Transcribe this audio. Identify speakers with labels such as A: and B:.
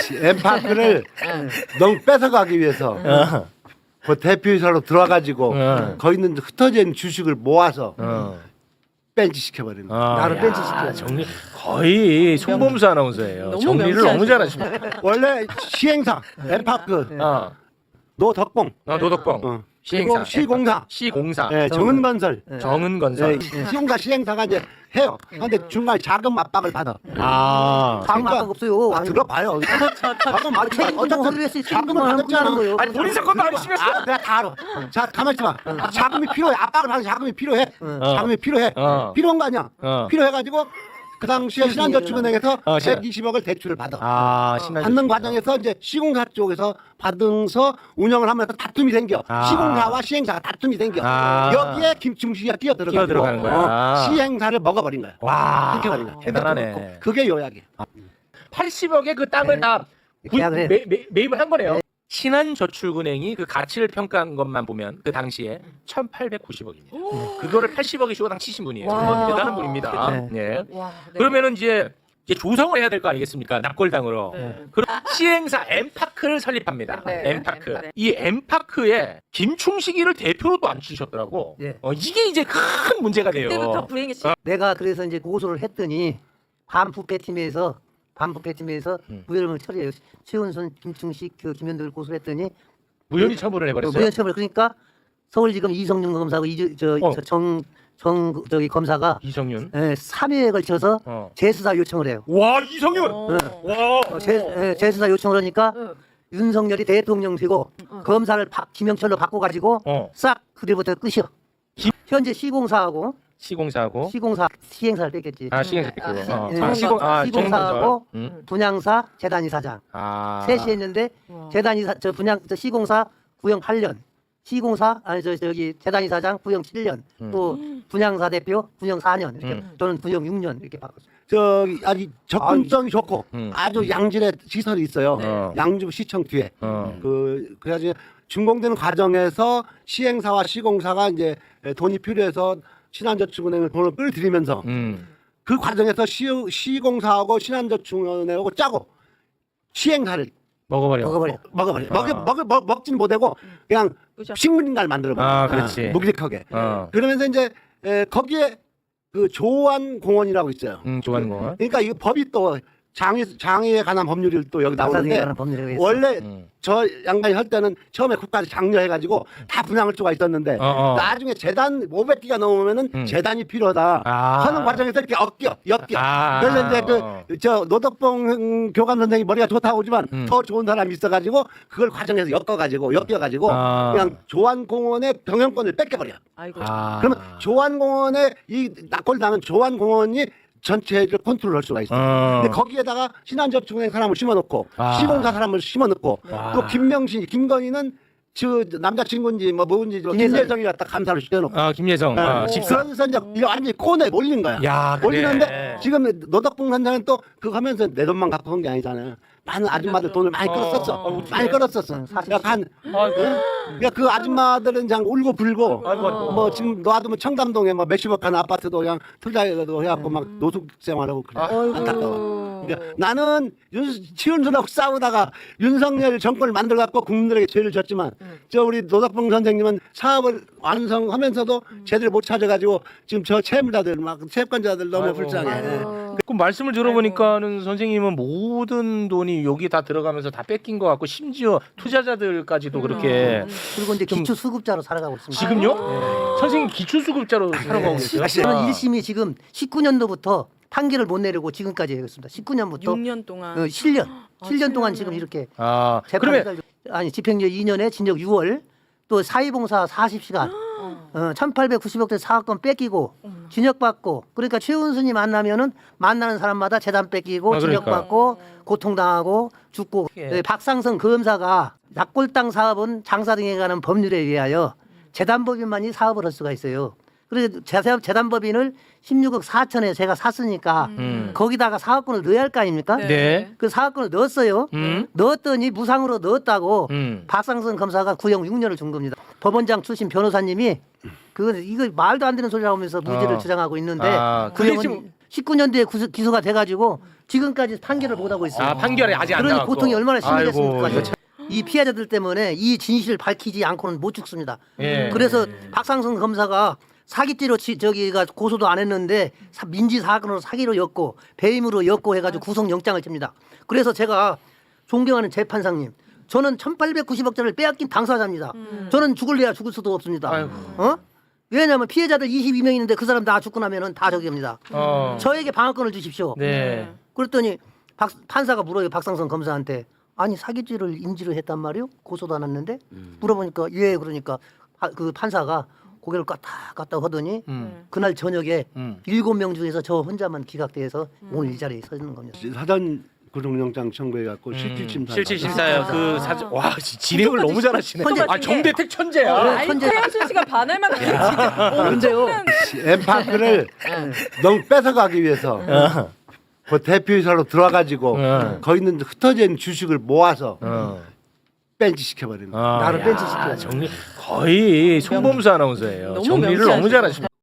A: 엠파크를 너무 뺏어가기 위해서 그 대표이사로 들어와가지고 거기 있는 흩어져 있는 주식을 모아서 벤치 시켜버리는 거야.
B: 나를 벤치 시켜.
C: 정리 거의 송범수 아나운서예요.
D: 너무
C: 정리를 너무 잘하십니다.
A: 원래 시행사 엠파크 노덕봉
C: 노덕봉
A: 그리고 시공사
C: 시공사
A: 네, 정은건설
C: 정은건설
A: 시공사 시행사가 이제 해요. 그런데 중간에 자금 압박을 받아.
B: 자금 압박 없어요.
A: 들어봐요. 자금 압박
B: 책임도 하기 위해서 책임도 하는 거예요.
C: 아니 본인 사건도 아니시면서
A: 내가 다 알아. 자, 가만히 있어봐. 자금이 필요해. 압박을 하는 자금이 필요해. 자금이 필요해. 필요한 거 아니야. 필요해가지고 그 당시에 신한저축은행에서 120억을 대출을 받아. 받는 과정에서 이제 시공사 쪽에서 받으면서 운영을 하면서 다툼이 생겨. 시공사와 시행사가 다툼이 생겨. 여기에 김충식이가
C: 뛰어들어가는 거야.
A: 시행사를 먹어버린 거야.
C: 와
A: 시켜버린 거야.
C: 대단하네.
A: 그게 요약이야.
C: 80억의 그 땅을 다
B: 계약을 해.
C: 매입을 한 거네요. 신한저축은행이 그 가치를 평가한 것만 보면 그 당시에 1,890억입니다. 그거를 80억에 주고 당 치신 분이에요.
D: 와.
C: 대단한 분입니다. 네.
D: 와, 네.
C: 그러면은 이제 조성을 해야 될 거 아니겠습니까? 납골당으로.
D: 네.
C: 그럼 시행사 엠파크를 설립합니다.
D: 네.
C: 엠파크.
D: 네.
C: 이 엠파크에 김충식이를 대표로 또 앉히셨더라고.
B: 예.
C: 이게 이제 큰 문제가 돼요.
D: 그때부터 불행의 시.
B: 내가 그래서 이제 고소를 했더니 반부패팀에서 무혐의를 처리해요. 최은순, 김충식, 그 김현덕을 고소를 했더니
C: 무혐의 처분을 해버렸어요.
B: 무혐의 처벌. 그러니까 서울지검 이성윤 검사하고 저기 검사가
C: 이성윤.
B: 3회에 걸쳐서 재수사 요청을 해요.
C: 와 이성윤. 와.
B: 재수사 요청을 하니까 윤석열이 대통령 되고 검사를 김영철로 바꿔가지고 싹 그들부터 끝이요. 현재 시공사하고 시행사를 뺐겠지.
C: 시행사 뺐고.
B: 시공사하고 분양사 재단 이사장 셋이 했는데 재단 이사 시공사 구형 8년, 시공사 저기 재단 이사장 구형 7년, 또 분양사 대표 구형 4년 이렇게 저는 구형 6년 이렇게 바꿨어요.
A: 저기 아주 접근성이 좋고 아주 양질의 시설이 있어요. 양주 시청 뒤에. 그래가지고 준공되는 과정에서 시행사와 시공사가 이제 돈이 필요해서 신한저축은행을 돈을 끌어들이면서 그 과정에서 시공사하고 신한저축은행하고 짜고 시행사를
C: 먹어버려.
A: 먹진 못하고 그냥 식물인가를 만들어버려.
C: 그렇지.
A: 묵직하게. 그러면서 이제 거기에 그 조안공원이라고 있어요.
C: 조안공원.
A: 그러니까 이 법이 또 장애에 관한 법률이 또 여기 나오는데 원래 저 양반이 할 때는 처음에 국가에서 장려해가지고 다 분양을 쪼가 있었는데 나중에 재단 500기가 넘으면은 재단이 필요하다 하는 과정에서 이렇게 엮여. 그래서 이제 저 노덕봉 교감 선생이 머리가 좋다고 하지만 더 좋은 사람이 있어가지고 그걸 과정에서 엮여가지고 그냥 조안공원의 경영권을 뺏겨버려.
D: 아이고.
A: 그러면 조안공원의 이 낙골당은 조안공원이 전체를 컨트롤할 수가 있어요. 근데 거기에다가 신한저축은행 사람을 심어놓고 시공사 사람을 심어놓고 또 김건희는 저 남자친구인지 뭐인지 김예성이 갖다 감사를 시켜놓고
C: 김예성 집사.
A: 그래서 이제 이거 완전히 꼰에 몰린 거야. 몰리는데 지금 노덕봉 선장은 또 그거 하면서 내 돈만 갖고 온 게 아니잖아요. 많은 아줌마들 돈을 많이 끌었었어. 많이 끌었었어. 그러니까 그 아줌마들은 그냥 울고 불고 뭐 지금 놔두면 청담동에 뭐 몇십억 하는 아파트도 그냥 투자해도 해갖고 막 노숙 생활하고 그래. 안타까워. 그러니까 나는 치윤수하고 싸우다가 윤석열 정권을 만들어갖고 국민들에게 죄를 졌지만 저 우리 노덕봉 선생님은 사업을 완성하면서도 제대로 못 찾아가지고 지금 저 채무자들 막 채권자들 너무 불쌍해.
C: 그 말씀을 들어보니까는 선생님은 모든 돈이 여기 다 들어가면서 다 뺏긴 것 같고 심지어 투자자들까지도 그렇게
B: 그리고 이제 기초수급자로 살아가고 있습니다.
C: 지금요? 선생님 기초수급자로 살아가고 계세요?
B: 저는 1심이 지금 19년도부터 판결을 못 내리고 지금까지 했습니다. 19년부터
D: 6년 동안.
B: 7년 동안 지금 이렇게
C: 그러면
B: 집행유예 2년에 징역 6월 또 사회봉사 40시간 1890억대 사업권 뺏기고 징역받고 그러니까 최은순이 만나면은 만나는 사람마다 재단 뺏기고 징역받고 고통당하고 죽고 박상성 검사가 낙골당 사업은 장사 등에 관한 법률에 의하여 재단법인만이 사업을 할 수가 있어요. 그래서 재단법인을 16억 4천에 제가 샀으니까 거기다가 사업권을 넣어야 할 거 아닙니까?
C: 네.
B: 그 사업권을 넣었어요. 넣었더니 무상으로 넣었다고 박상선 검사가 구형 6년을 준 겁니다. 법원장 출신 변호사님이 이거 말도 안 되는 소리라고 하면서 무죄를 주장하고 있는데 구형은 19년도에 기소가 돼가지고 지금까지 판결을 못 하고 있어요.
C: 아 판결이 아직 안
B: 그러니
C: 나왔고.
B: 고통이 얼마나
C: 아이고,
B: 심하겠습니까?
C: 이거 참-
B: 이 피해자들 때문에 이 진실을 밝히지 않고는 못 죽습니다.
C: 예.
B: 그래서 박상성 검사가 사기죄로 저기가 고소도 안 했는데 민지 사건으로 사기로 엮고 배임으로 엮고 해가지고 구속영장을 칩니다. 그래서 제가 존경하는 재판장님, 저는 1,890억짜리를 빼앗긴 당사자입니다. 저는 죽을래야 죽을 수도 없습니다.
C: 아이고.
B: 왜냐하면 피해자들 22명 있는데 그 사람 다 죽고 나면은 다 저기입니다. 저에게 방어권을 주십시오.
C: 네.
B: 그랬더니 판사가 물어요. 박상성 검사한테. 아니 사기죄를 인지를 했단 말이요? 고소도 안 했는데? 물어보니까 예. 그러니까 그 판사가 고개를 까딱 하더니 그날 저녁에 7명 중에서 저 혼자만 기각돼서 오늘 이 자리에 서 있는 겁니다.
A: 사전 구속영장 청구해갖고 실질심사.
C: 실질심사요. 그 사전 와 진행을 너무 잘하시네.
B: 천재.
C: 아 정대택 천재야.
D: 아니
B: 천재.
D: 최현준 씨가 반할 만큼 진짜
B: 근데요.
A: 엠파크를 너무 뺏어가기 위해서 그 대표이사로 들어와가지고 거기 있는 흩어져 있는 주식을 모아서 벤치 시켜버리는 거예요.
B: 나를
C: 야,
B: 벤치 시켜야죠.
C: 정리 거의 송범수 아나운서예요.
D: 너무
C: 정리를 너무
D: 명쾌하시죠.
C: 잘하십니다.